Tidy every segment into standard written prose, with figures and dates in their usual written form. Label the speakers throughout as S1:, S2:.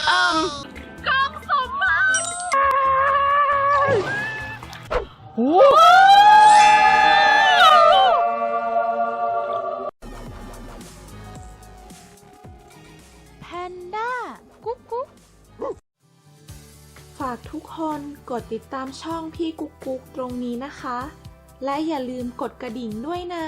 S1: เอิ่มกล่องสมบัติโอ้
S2: แพนด้ากุ๊กกุ๊กฝากทุกคนกดติดตามช่องพี่กุ๊กกุ๊กตรงนี้นะคะ และอย่าลืมกดกระดิ่งด้วยนะ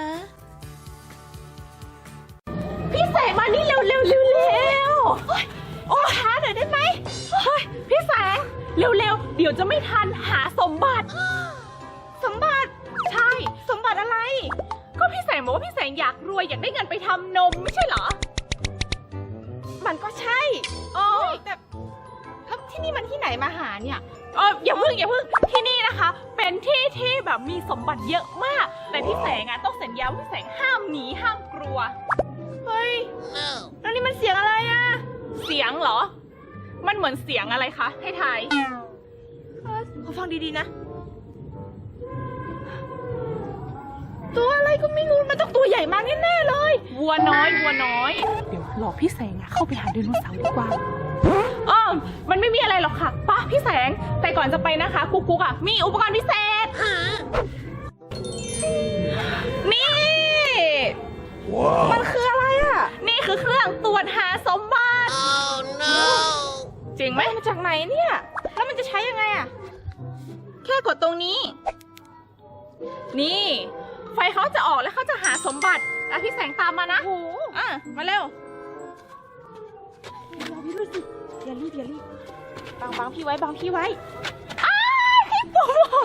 S2: พี่แสงมานี่เร็วเร็วเร็วเร็วโอ้ช้าหน่อยได้ไหมเฮ้ยพี่แสงเร็วเร็วเดี๋ยวจะไม่ทันหาสมบัติสมบัติใช่สมบัติอะไรก็พี่แสงบอกว่าพี่แสงอยากรวยอยากได้เงินไปทำนมไม่ใช่เหรอมันก็ใช่แต่แล้วที่นี่มันที่ไหนมาหาเนี่ยอย่าเพิ่งที่นี่นะคะเป็นที่ที่แบบมีสมบัติเยอะมากแต่พี่แสงต้องสัญญาว่าพี่แสงห้ามหนีห้ามกลัวเฮ้ยแล้วนี่มันเสียงอะไรอะเสียงเหรอมันเหมือนเสียงอะไรคะให้ทายขอฟังดีๆนะตัวอะไรก็ไม่รู้มันต้องตัวใหญ่มากแน่ๆเลยวัวน้อยเดี๋ยวหลอกพี่แสงเข้าไปหาไดโนเสาร์ดีกว่ามันไม่มีอะไรหรอกค่ะป้าพี่แสงแต่ก่อนจะไปนะคะกุ๊กมีอุปกรณ์พิเศษนี่ มันคืออะไรอ่ะนี่คือเครื่องตรวจหาสมบัติจริงไหมมาจากไหนเนี่ยแล้วมันจะใช้ยังไงอ่ะแค่กดตรงนี้นี่ไฟเขาจะออกแล้วเขาจะหาสมบัติพี่แสงตามมานะมาเร็วอย่ารีบบังพี่ไว้พี่ปุ๊บ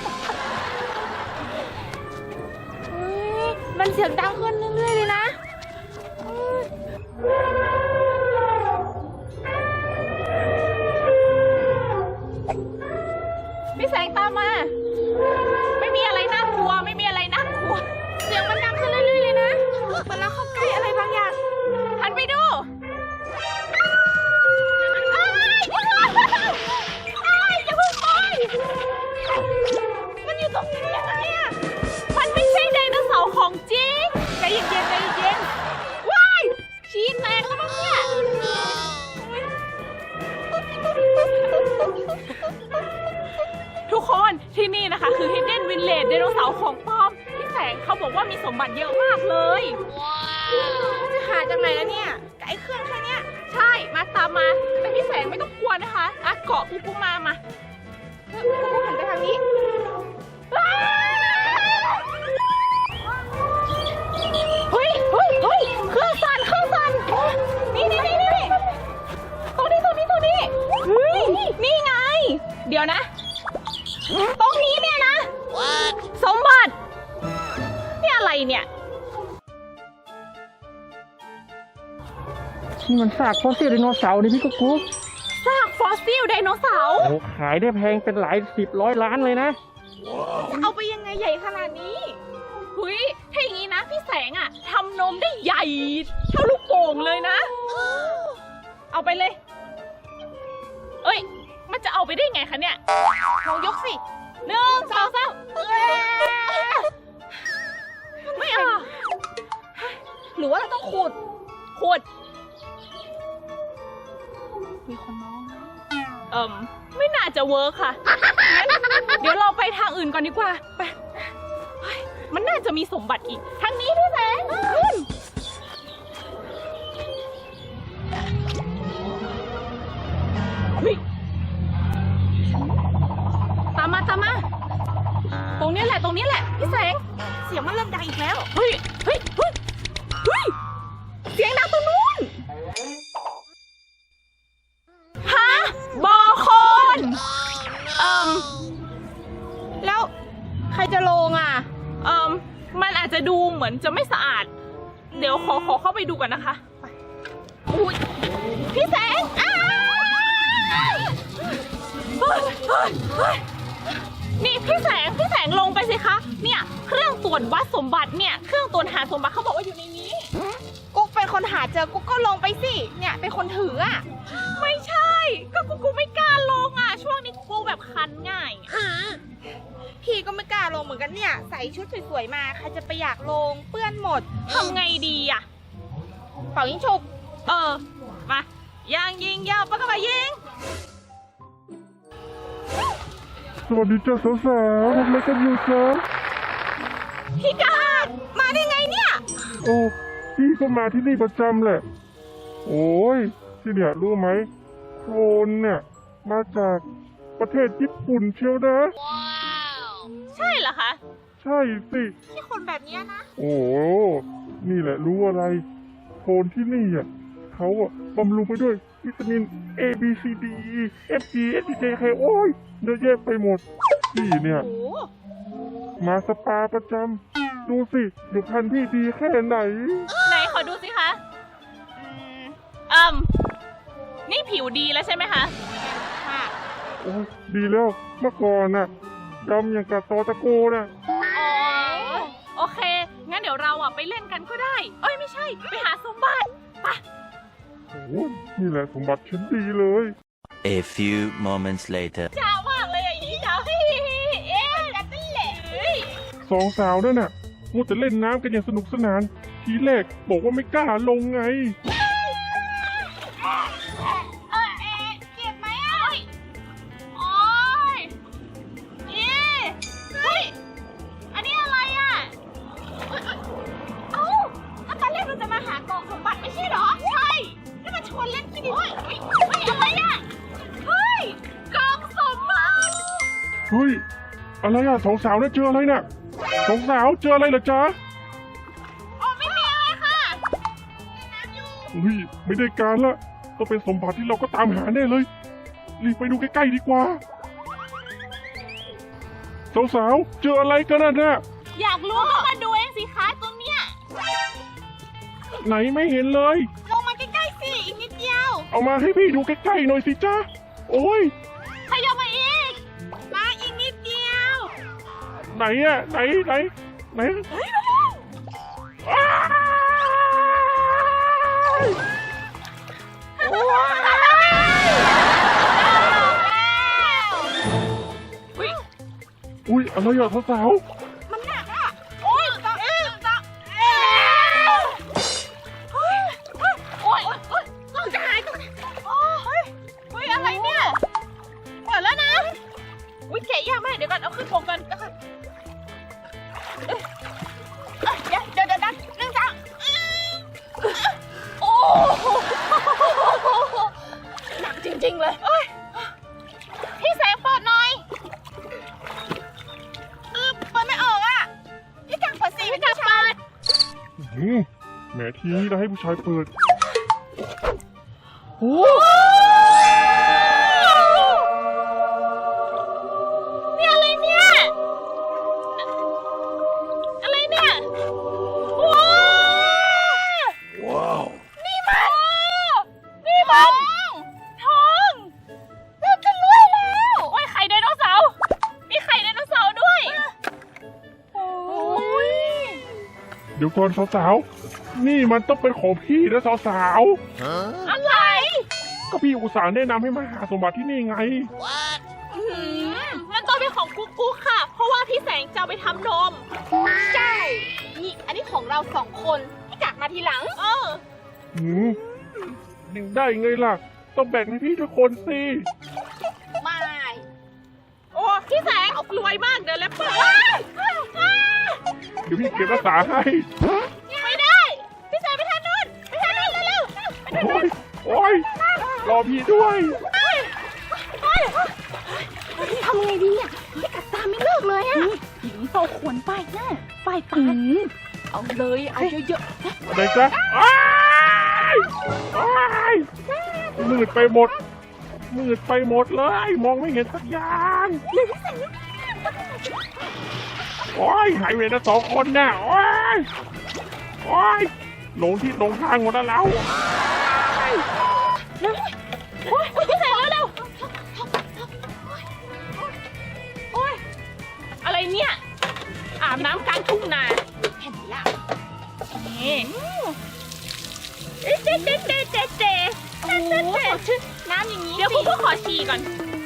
S2: มันเสียงดังขึ้นเรื่อยๆเลยนะพี่แสงตามมาไม่มีอะไรน่ากลัวเสียงมันดังขึ้นเรื่อยๆเลยนะเหมือนเราเข้าใกล้อะไรบางอย่างหันไปดูอย่าเพิ่งไปมันอยู่ตรงนี้ยังไงอะมันไม่ใช่ไดโนเสาร์ของจริงใจเย็นว้ายชี้แตกแล้วมั้งเนี่ยทุกคนที่นี่นะคะคือ Hidden Village ไดโนเสาร์ของปลอมพี่แสงเขาบอกว่ามีสมบัติเยอะมากเลยจะหาจากไหนแล้วเนี่ยกับไอ้เครื่องแค่นี้ใช่มาตามมาแต่พี่แสงไม่ต้องกลัวนะคะเกาะปุ๊บมาปุ๊บหันไปทางนี้เฮ้ยเครื่องสั่นนี่ตรงนี้เฮ้ยนี่ไงเดี๋ยวนะตรงนี้เนี่ยนะสมบัตินี่อะไรเนี่ย
S3: นี่มันซากฟอสซิลไดโนเสาร์นี่พี่กุ๊ก
S1: ซากฟอสซิลไดโนเสาร์
S3: ขายได้แพงเป็นหลาย10 100 ล้านเลยนะ
S1: เอาไปยังไงใหญ่ขนาดนี้หุยถ้าอย่างนี้นะพี่แสงทำนมได้ใหญ่เท่าลูกโป่งเลยนะเอาไปเลยมันจะเอาไปได้ไงคะเนี่ยลองยกสิ1 2 3ไม่เอาหรือว่าเราต้องขุดมีคนมองไม่น่าจะเวิร์คค่ะเดี๋ยวเราไปทางอื่นก่อนดีกว่าไปมันน่าจะมีสมบัติอีกทางนี้พี่แสงตามมาตรงนี้แหละพี่แสงเสียงมันเริ่มดังอีกแล้วเฮ้ยเสียงดังตรงนู้นบอโคนแล้วใครจะลงมันอาจจะดูเหมือนจะไม่สะอาดเดี๋ยวขอเข้าไปดูกันนะคะอุ้ยพี่แสงนี่พี่แสงลงไปสิคะเนี่ยเครื่องตรวจวัดสมบัติเนี่ยเครื่องตรวจหาสมบัติเขาบอกว่าอยู่ในนี้กุ๊กเป็นคนหาเจอกุ๊กก็ลงไปสิเนี่ยเป็นคนถือไม่ใช่ก็กุ๊กไม่กล้าลงช่วงนี้กุ๊กแบบคันง่ายพี่ก็ไม่กล้าลงเหมือนกันเนี่ยใส่ชุดสวยๆมาใครจะไปอยากลงเปื้อนหมดทำไงดีเป่ายิงฉุบมายางยิงยาวปากกระบะยิง
S3: สวัสดีจ้าสาวๆทำอะไรกันอยู่จ๊ะ
S1: พี่กาดมาได้ไงเนี่ย
S3: โอ้พี่ก็มาที่นี่ประจำแหละ โอ้ยที่เนี่ยรู้ไหมโคลนเนี่ยมาจากประเทศญี่ปุ่นเชียวนะ
S1: ใช่เหรอคะ
S3: ใช่สิ
S1: ที่คนแบบนี้นะ
S3: โอ้นี่แหละรู้อะไรโคลนที่นี่อ่ะเขาอ่ะบำรุงไปด้วยวิตามิน A B C D E F G S K K โอ้ยเยอะแยะไปหมดพี่เนี่ย
S1: โอ้
S3: มาสปาประจำดูสิอยู่พันธุ์พี่ดีแค่ไหน
S1: ไหนขอดูสิคะอืมนี่ผิวดีแล้วใช่ไหมคะค่ะ
S3: โอ้ยดีแล้วเมื่อก่อนน่ะดำอย่างกับตอตะโกน่ะ
S1: อ๋อโอเค งั้นเดี๋ยวเราไปเล่นกันก็ได้ เอ้ยไม่ใช่ ไปหาสมบัติไป
S3: โอ้ยนี่แหละสมบัติฉันดีเลย
S4: A few moments later.
S1: จ้ามากเลยอย่างนี้จ้าเอ๊ะกันนั่นแหละ
S3: สองสาวนั่นน่ะมัวแต่เล่นน้ำกันอย่างสนุกสนาน ทีแรกบอกว่าไม่กล้าลงไง
S1: เจ็บไหมอ่ะโอ๊ยเฮ้ย อันนี้อะไรอ่ะเอ้าถ้าตอนแรกเราจะมาหากล่องสมบัติไม่ใช่เหรอ ใช่แล้วมาชวนเล่นที่นี่เฮ้ยอะไรอ่ะ เฮ้ย กล่องสมบัติ
S3: เฮ้ย อะไรอ่ะสองสาวเนี่ยเจออะไรน่ะสองสาวเจออะไรเหรอจ๊ะ
S1: อ๋อไม่มีอะไรค่ะ
S3: เฮ้ยไม่ได้การละต้องเป็นสมบัติที่เราก็ตามหาแน่เลยรีบไปดูใกล้ๆดีกว่าสาวๆเจออะไรกันน่ะ
S1: อยากรู้ก็มาดูเองสิคะตรงเนี้ย
S3: ไหนไม่เห็นเลย
S1: ลงมาใกล้ๆสิ อีกนิดเดียว
S3: เอามาให้พี่ดูใกล้ๆหน่อยสิจ๊ะโอ้ย
S1: ขยับมาอีก มาอีกนิดเดียว
S3: ไหนอ่ะไหนอ้าย อุ้ยอะไรอ่ะสาว
S1: มันหนักอ่ะ โอ๊ยจะจะหายตัวโอ้ยเฮ้ย อะไรเนี่ยเปิดแล้วนะ อุ้ยแกะยากมาก เดี๋ยวก่อน เอาขึ้นโปกกันเดี๋ยวนึ่งจังโอ้หนักจริงๆเลยพี่แสงเปิดหน่อยเปิดไม่ออกอ่ะ พี่กังเปิดสิพี่กังเปิด
S3: แหมทีนี้เราให้ผู้ชายเปิดโอ้
S1: นี่อะไรเนี่ย อะไรเนี่ยว้าว นี่มันทองเราจะรวยแล้วโอ้ยไข่ไดโนเสาร์มีไข่ไดโนเสาร์ด้วยโอ้ย
S3: เดี๋ยวก่อนสาวๆนี่มันต้องเป็นของพี่นะสาว
S1: อะไร
S3: ๆก็พี่อุตส่าห์แนะนำให้มาหาสมบัติที่นี่ไง
S1: มันต้องเป็นของกุ๊กกุ๊กค่ะ เพราะว่าพี่แสงจะเอาไปทำนม ใช่ นี่อันนี้ของเรา2 คนพี่กักมาทีหลัง
S3: ได้ไงล่ะ ต้องแบ่งให้พี่ทุกคนสิ
S1: ไม่ โอ้พี่แสงรวยมากเดินแล้วเปิด
S3: เดี๋ยวพี่เก็บรักษาให้
S1: ไม่ได้ พี่แสงไปทางนู้นเร็ว
S3: โอ้ยรอพี่ด้วย
S2: ทำไงดีอ่ะไม่กัดตามไม่เลิกเลยอ่ะหิงโตขวนป้ายหน้าป้ายตาเอาเลยเอาเยอะ
S3: ไหนจ๊ะอ้ายมืดไปหมดเลย มองไม่เห็นสักอย่างโอ้ยหายเวรนะ2 คนน่ะโอ้ยหลงที่หลงทางหมดแล้วเรา
S1: โอ้ยพี่แสงเร็วโอ้ยอะไรเนี่ย อาบน้ำกลางทุ่งนาเห็นละนี่เจ๊โอ้โหน้ำอย่างนี้เดี๋ยวคุณก็ขอฉี่ก่อน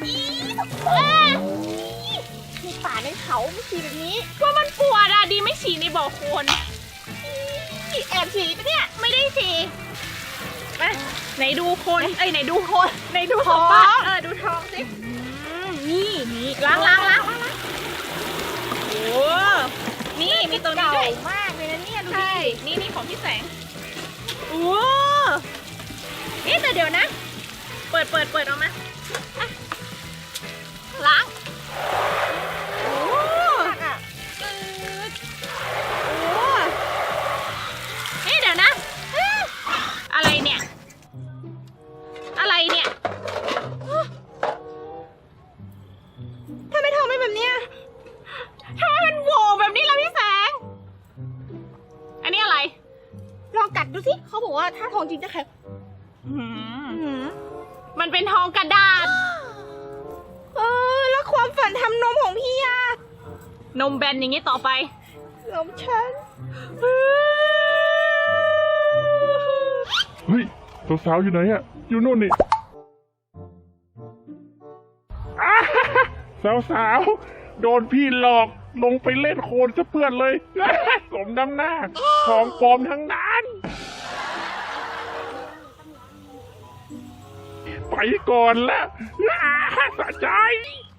S1: ในป่าในเขาไม่ฉี่แบบนี้ก็มันปวดอะดีไม่ฉี่ในบ่อโคลนแอบฉี่ปะเนี่ยไม่ได้ฉี่มาไหนดูคนเอ้ยไหนดูคนไหนดูสมบัติดูทองสินี่ล้างโอ้นี่มีตัวนี้ด้วยมากเลยนะเนี่ยดูดินี่ของพี่แสงโอ้นี่แต่เดี๋ยวนะ เปิดออกมาอ่ะล้างโอ้นี่เดี๋ยวนะอะไรเนี่ยทำไมทองไม่แบบเนี้ยทำไมมันโหว่แบบนี้ล่ะพี่แสงอันนี้อะไรลองกัดดูสิเขาบอกว่าถ้าทองจริงจะแข็งมันเป็นทองกระดาษแล้วความฝันทำนมของพี่อะนมแบนอย่างนี้ต่อไปนมฉัน
S3: เฮ้ยสาวๆอยู่ไหนอะอยู่นู่นนี่สาวๆโดนพี่หลอกลงไปเล่นโคลนซะเพื่อนเลย สมน้ำหน้าของปลอมทั้งนั้น ไปก่อนละสะใจ